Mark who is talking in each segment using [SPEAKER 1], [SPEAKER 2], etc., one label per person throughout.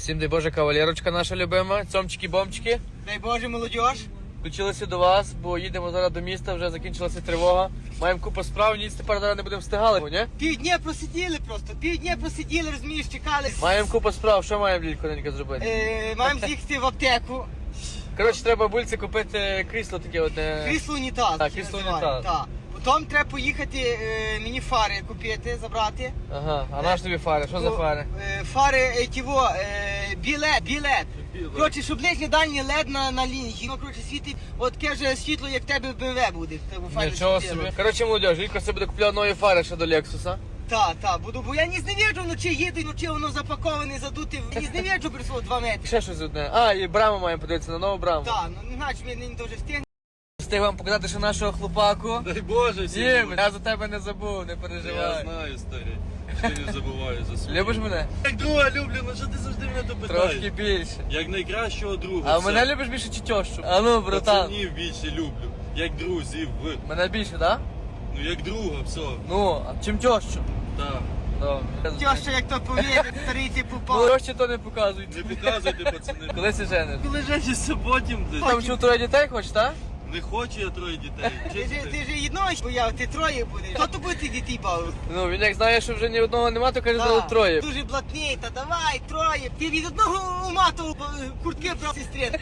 [SPEAKER 1] Всім дай Боже, кавалерочка наша любима, цьомчики-бомчики.
[SPEAKER 2] Дай Боже, молодіж.
[SPEAKER 1] Включилися до вас, бо їдемо зараз до міста, вже закінчилася тривога. Маємо купу справ, ніц тепер зараз не будемо встигали, ні?
[SPEAKER 2] Півдня просиділи просто, півдня просиділи, розумієш, чекали.
[SPEAKER 1] Маємо купу справ, що маємо, Лілько, ненька, зробити?
[SPEAKER 2] Маємо з'їхати в аптеку.
[SPEAKER 1] Коротше, треба бульці купити крісло таке одне.
[SPEAKER 2] Крісло унітаз.
[SPEAKER 1] Так, крісло унітаз.
[SPEAKER 2] Так. Потім треба поїхати мені фари купити, забрати.
[SPEAKER 1] Ага, а наш тобі фари, що за фари?
[SPEAKER 2] Фари, білет. Коротше, щоб ближнє дальнє лед на лінії. Ну, коротше, світить, от таке ж світло, як в тебе в БМВ буде.
[SPEAKER 1] Нічого собі. Коротше, молодіж, Лілько себе буде купляти нові фари ще до Лексуса.
[SPEAKER 2] Так, буду, бо я ні зневіджу, вночі їду, вночі воно запаковане, задуте. Ні зневіджу, прийшло 2 метри.
[SPEAKER 1] Ще щось одне. А, і браму маємо подивитися, на нову браму.
[SPEAKER 2] Так, ну, значить, ми не дуже встигнемо.
[SPEAKER 1] Встиг вам показати, що нашого хлопаку.
[SPEAKER 3] Дай Боже, всім
[SPEAKER 1] Дім,
[SPEAKER 3] буде.
[SPEAKER 1] я за тебе не забув, не
[SPEAKER 3] Я
[SPEAKER 1] переживай.
[SPEAKER 3] знаю, старий. Що не забуваю за свою.
[SPEAKER 1] Любиш мене?
[SPEAKER 3] Як друга люблю, ну що ти завжди мене то
[SPEAKER 1] Трошки
[SPEAKER 3] питаєш?
[SPEAKER 1] більше.
[SPEAKER 3] Як найкращого друга.
[SPEAKER 1] А
[SPEAKER 3] все.
[SPEAKER 1] мене любиш більше чи тещу? А ну, братан.
[SPEAKER 3] Пацанів більше люблю. Як друзів.
[SPEAKER 1] Мене більше, так?
[SPEAKER 3] Ну як друга, все.
[SPEAKER 1] Ну, а чим тещу?
[SPEAKER 3] Так.
[SPEAKER 2] Тьоща, як то повірить, старий ти
[SPEAKER 1] Ну,
[SPEAKER 2] попав.
[SPEAKER 1] тещі то не показують.
[SPEAKER 3] Не показуйте, пацани.
[SPEAKER 1] Коли ти жениш?
[SPEAKER 3] Коли женишся потім десь.
[SPEAKER 1] Там чув 3 дітей хочеш, так?
[SPEAKER 3] Не хочу я 3 дітей.
[SPEAKER 2] Ти ж одного бояв, ти 3 будеш. Хто то буде дітей бавив?
[SPEAKER 1] Ну, він як знає, що вже ні одного нема, то каже,
[SPEAKER 2] Так,
[SPEAKER 1] зразу 3.
[SPEAKER 2] Дуже блатний, та давай, 3. Ти від одного умату куртки брав сестрі.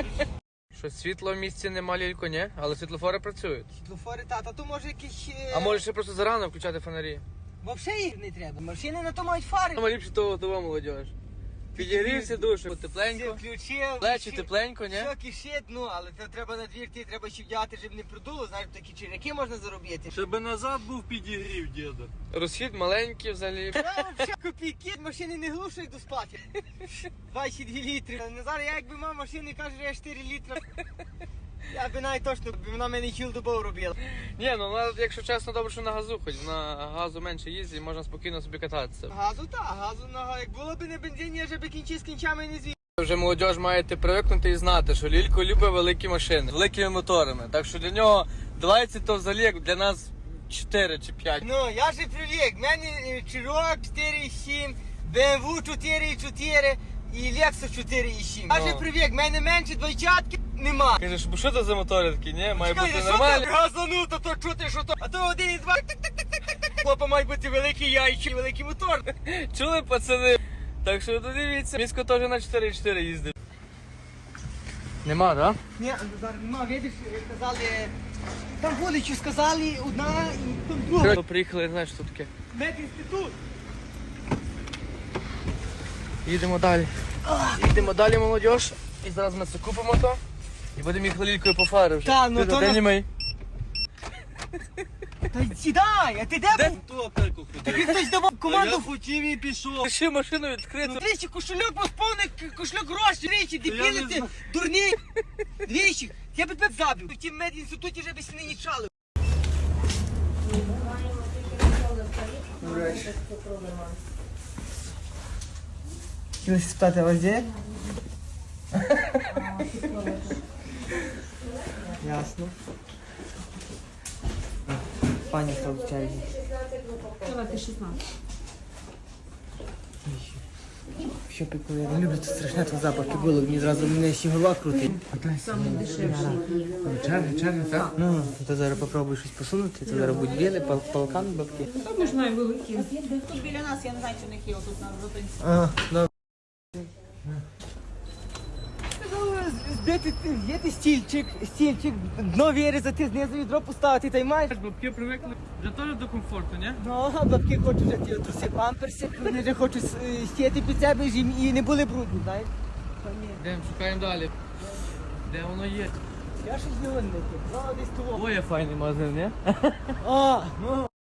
[SPEAKER 1] Що світла в місті нема, Лілько, ні? Але світлофори працюють.
[SPEAKER 2] Світлофори, та то може якісь...
[SPEAKER 1] А може ще просто зарано включати фонарі?
[SPEAKER 2] Взагалі їх не треба. Машини на то мають фари.
[SPEAKER 1] Саме ліпше того молодіж. Підігрівся душу,
[SPEAKER 2] Все
[SPEAKER 1] тепленько.
[SPEAKER 2] включив.
[SPEAKER 1] Плечі тепленько, ні?
[SPEAKER 2] Все кишить, ну, але це треба на двір, ти треба ще вдягати, щоб не продуло, знаєш, такі черяки можна заробити.
[SPEAKER 3] Щоб назад був підігрів, діда.
[SPEAKER 1] Розхід маленький взагалі.
[SPEAKER 2] Я взагалі копійки, машини не глушу, йду спати. 22 літри. Назар, я якби мав машини, каже, я 4 літри. Я би навіть точно, вона мене хілдобов робила.
[SPEAKER 1] Ні, ну вона, якщо чесно, добре, що на газу хоч. На газу менше їздить, можна спокійно собі кататися.
[SPEAKER 2] Газу так, як було б не бензин, я вже би кінчив з кінчами не звів.
[SPEAKER 1] Вже молодіж маєте привикнути і знати, що Лілько любить великі машини з великими моторами. Так що для нього 20 то взагалі як для нас 4 чи 5.
[SPEAKER 2] Ну, я же привик, в мене Чирок 4,7, BMW 4,4 і Lexus 4,7. Я же привик, в мене менше двойчатки нема.
[SPEAKER 1] Кажеш, бо що це за мотори такі, ні? Має
[SPEAKER 2] Чекай,
[SPEAKER 1] бути
[SPEAKER 2] що
[SPEAKER 1] нормально.
[SPEAKER 2] так газану, то чути, що то, а то 1,2, так-так-так-так-так. Хлопа мають бути великі яйчі, великий мотор.
[SPEAKER 1] Чули, пацани? Так що дивіться, місько теж на 4,4 їздить. Нема, так?
[SPEAKER 2] Ні, зараз нема, видиш, казали, там вулицю сказали, одна і там друга.
[SPEAKER 1] Да? Приїхали, не знаю, що таке.
[SPEAKER 2] Медінститут.
[SPEAKER 1] Їдемо далі. Їдемо далі, молодіж. І зараз ми це купимо то. І будемо їх Лількою по фари вже.
[SPEAKER 2] Та, ну
[SPEAKER 1] Ти
[SPEAKER 2] то
[SPEAKER 1] де
[SPEAKER 2] на-
[SPEAKER 1] німей?
[SPEAKER 2] Та сідай, а ти де був?
[SPEAKER 3] Ту аптеку
[SPEAKER 2] Тобі
[SPEAKER 3] ходив.
[SPEAKER 2] хтось давав
[SPEAKER 3] Я
[SPEAKER 2] команду.
[SPEAKER 3] хотів і пішов.
[SPEAKER 1] Ще машину відкрити.
[SPEAKER 2] Ну, двічі, кошельок посповник, кошельок гроші, двічі,
[SPEAKER 3] я не
[SPEAKER 2] дебіли ти,
[SPEAKER 3] знаю.
[SPEAKER 2] дурні. Двічі, я би тебе забив. В тім медінституті вже би сини не чали. Хотілося спитати, а вас де? Ясно. Пані став в черзі.
[SPEAKER 4] Давайте 16.
[SPEAKER 2] Що пікує? Не люблю це страшне тут запах було, мені зразу мене ще голова крутить.
[SPEAKER 4] Саме дешевше.
[SPEAKER 1] Черги, так?
[SPEAKER 2] Ну, то зараз попробуй щось посунути, то зараз будуть біли, палкан, бабки.
[SPEAKER 4] Ми ж маємо великі.
[SPEAKER 5] Тут біля нас, я не знаю, чи в них є тут на зупинці.
[SPEAKER 2] Ага, добре. Збити стільчик, дно вирізати, знизу відро поставити, та й маєш.
[SPEAKER 1] Бабки привикли вже теж до комфорту, ні?
[SPEAKER 2] Ну, а бабки хочуть вже ті труси памперси, вони вже хочуть стіти під себе і не були брудні, знаєш?
[SPEAKER 1] Йдемо, шукаємо далі. Де воно є?
[SPEAKER 2] Я щось не винний, десь того.
[SPEAKER 1] Ой, я файний магазин, ні?
[SPEAKER 2] А, ну.